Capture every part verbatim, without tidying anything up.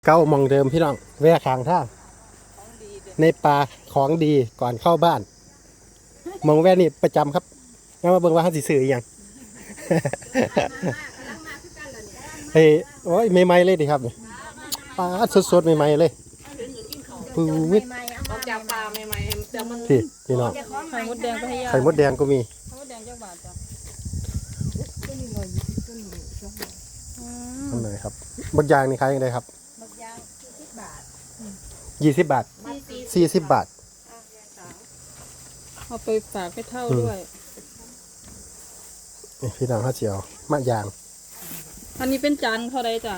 เก้ามองเดิมพี่น้องแวะข้างทางในป่าของดีก่อนเข้าบ้านมองแวะนี่ประจำครับงั้นมาเบิ่งว่าเขาสิซื้ออีหยังเฮ้ยโอ้ยใหม่ๆเลยดิครับปลาสดๆใหม่ๆเลยปูวิทออกจากป่าใหม่ๆแต่มันพี่พี่น้องไข่มดแดงก็ให้ยาไข่มดแดงก็มีไข่มดแดงจักบาทจ้ะทำไมครับบักยางนี่ขายยังไงครับยี่สิบบาทสี่สิบบาทเอาไปฝากให้เท่าด้วยนี่พี่น้องข้าวเจียวมะยางอันนี้เป็นจานเท่าไรจ้ะ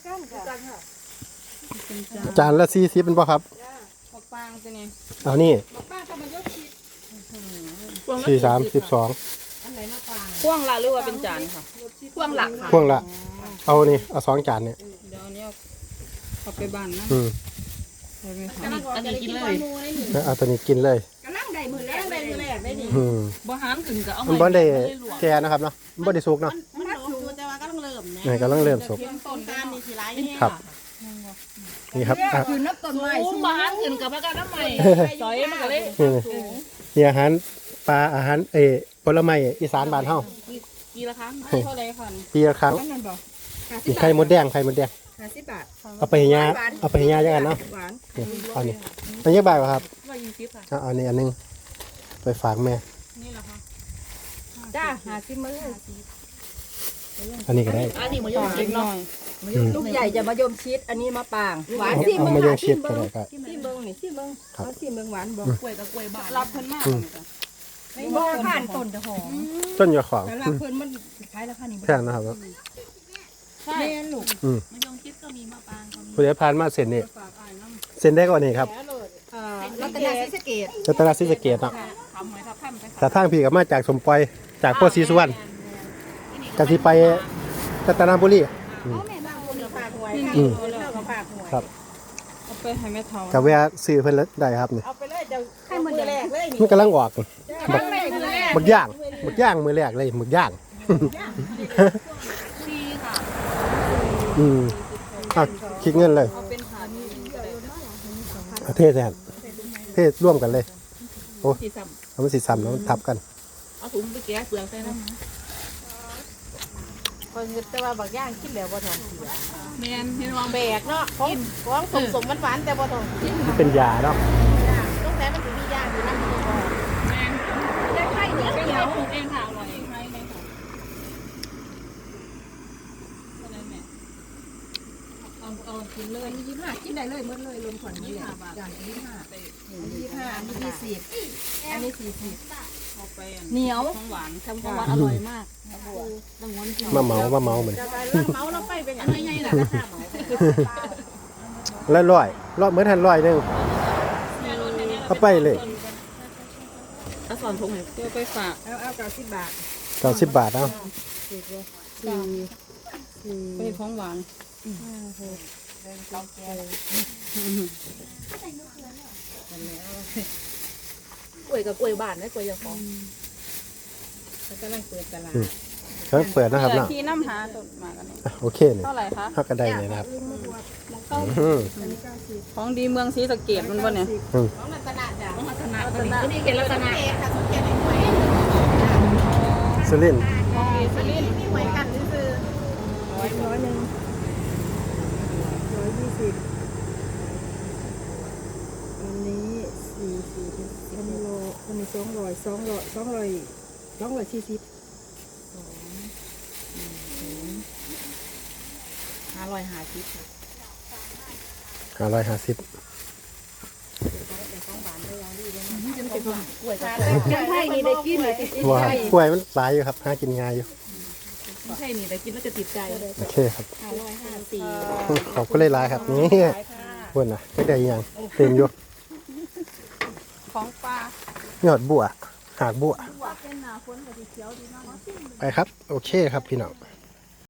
เป็นจานจานละสี่สิบเป็นป่ะครับมะปางตัวนี้เอานี่มะปางก็มันยกชิดสี่สามสิบสองพ่วงละหรือว่าเป็นจานค่ะพ่วงหลักค่ะพ่วงละเอานี่เอาสองจานเนี่ยเดี๋ยวอันนี้เอาไปบ้านนะอืมได้ไหมคะอันนี้กินเลยแล้วเอาตัวนี้กินเลยกำลังได้มือแรกได้มือแรกได้นี่อืมบ่หารขึ้นก็เอามันบ่ได้แก่นะครับเนาะมันบ่ได้สุกเนาะมันรักสูแต่ว่าก็ต้องเริ่มนะนี่กำลังเริ่มสุกต้นการนี่สิหลายเนี่ยครับนี่ครับอ่ะคือนับต้นไม้สูงบ่หารขึ้นกับพระกันน้ำใหม่ซอยมันก็เลยนี่นี่อาหารปลาอาหารเออผลไม้อีสานบ้านเฮากี่ละครั้งเท่าไรค่ะปีละครั้งนั่นบอกนี่ไข่มดแดงไข่มดแดงห้าสิบบาทเอาไปให้ยาเอาไปให้ยาจังกันเนาะหวานนี่เอานี่อันนี้บาทครับว่ายี่สิบค่ะเอาอันนี้อันนึงไปฝากแม่นี่แหละค่ะจ้าหาสิบมืออันนี้ก็ได้อันนี้มายมเล็กน้อยลูกใหญ่จะมายมชิดอันนี้มาปางหวานเอาสิเอาเมืมาองโยงเชียดก็ได้ครับสิเมืองนี่สิเมืองเอาสิเมืองหวานบอกกล้วยกับกล้วยบาทรับเพิ่นมากเลยจ้ะบ่ผ่านต้นจะหอมต้นยาของแต่ละเพิ่นมันขายราคานี้แพงนะครับใช่แม่ลูกอืมมะยงชิดก็มีมะปางก็มีผู้ใดผ่านมาเส้นนี่ฝากอ้ายน้ำเส้นได้กว่านี้ครับเอ่อรัตนศรีสะเกษรัตนศรีสะเกษเนาะทำหอยทับท่านไปแต่ทางพี่ก็มาจากสมปอยจากโพธิ์ศรีสุวรรณกะสิไปรัตนบุรีอ๋อแม่บ้านคนฝากหวยค่ะอืมเลิกกับฝากหวยครับเอาไปให้แม่เฒ่ากับแวะซื้อเพิ่นแล้วได้ครับนี่เอาไปเลยจะให้มือแรกเลยนี่มันกำลังออกบักแรกมือแรกหมึกย่างหมึกย่างมือแรกเลยหมึกย่างชีค่ะอืมอ่ะคิดเงินเลยเอาเป็นขานี่เอาเทแทนเทร่วมกันเลยโอ้สีสัมเอามันสิซ้ำแล้วมันทับกันเอาถุงไปแกะเปลือกใส่น้ำคนแต่ว่าบักย่างคิดแล้วบ่ท้องเสียแมนเห็นว่าแบกเนาะของของสมสมหวานๆแต่บ่ท้องเสียมันเป็นยาเนาะต้องแต่มันสิมีย่างอยู่นำอยู่บ่แมนได้ไข่เหนียวเป็นเหนียเราวปลูกเองค่ะอร่อยใช่ไหมค่ะเอาเอากินเลยยี่สิบห้ากินได้เลยหมดเลยรวมขวัญนี่แหละอย่างยี่สิบห้ายี่สิบห้าอันนี้ยี่สิบอันนี้สี่สิบเอาไปเหนียวของหวานทำของหวานอร่อยมากมาเมามาเมาเหมือนจะไปเรื่องเมาเราไปเป็นอย่างไม่ไงล่ะราคาเหมาแล้วร้อยร้อยเหมือนทันร้อยหนึงเอาไปเลยเอาสอนถุงเดี๋ยวไปฝากเอาเอาเก้าสิบบาทเก้าสิบบาทเอาไปของหวานกล้วยกับกล้วยบ้านนะกล้วยยาของแล้วก็นั่งเปิดตลาดเขาเปิดนะครับเนาะที่น้ำหาต้นมากันเนี่ยอ่ะโอเคเนี่ยเท่าไหร่คะหักกระไดเลยนะครับอืมของดีเมืองศรีสะเกษมันบ่เนี่ยอืมของรัตนาจ้ะรัตนะตัวนี้เขียนรัตนะเอกค่ะสุเกียรติหวยสุรินทร์ของดีสุรินทร์มีหวยกันซื้อร้อยร้อยหนึ่งร้อยยี่สิบอันนี้สี่สี่อันนี้โลอันนี้สองร้อยสองร้อยสองร้อยสองร้อยสี่สิบห้าร้อยห้าสิบห้าร้อยห้าสิบยังไทยนี่ได้กินเลยว้าวกล้วยมันหลายอยู่ครับหากินง่ายอยู่ใช่นี่แต่กินแล้วจะติดใจโอเคครับห้าร้อยห้าสี่ขอบคุณหลายๆครับนี่เพื่อนนะไม่ได้ยังเต็มอยู่ของปลายอดบัวหากบัวเป็นหนาฝนกับสีเขียวดีมากไปครับ โอเคครับพี่น้อง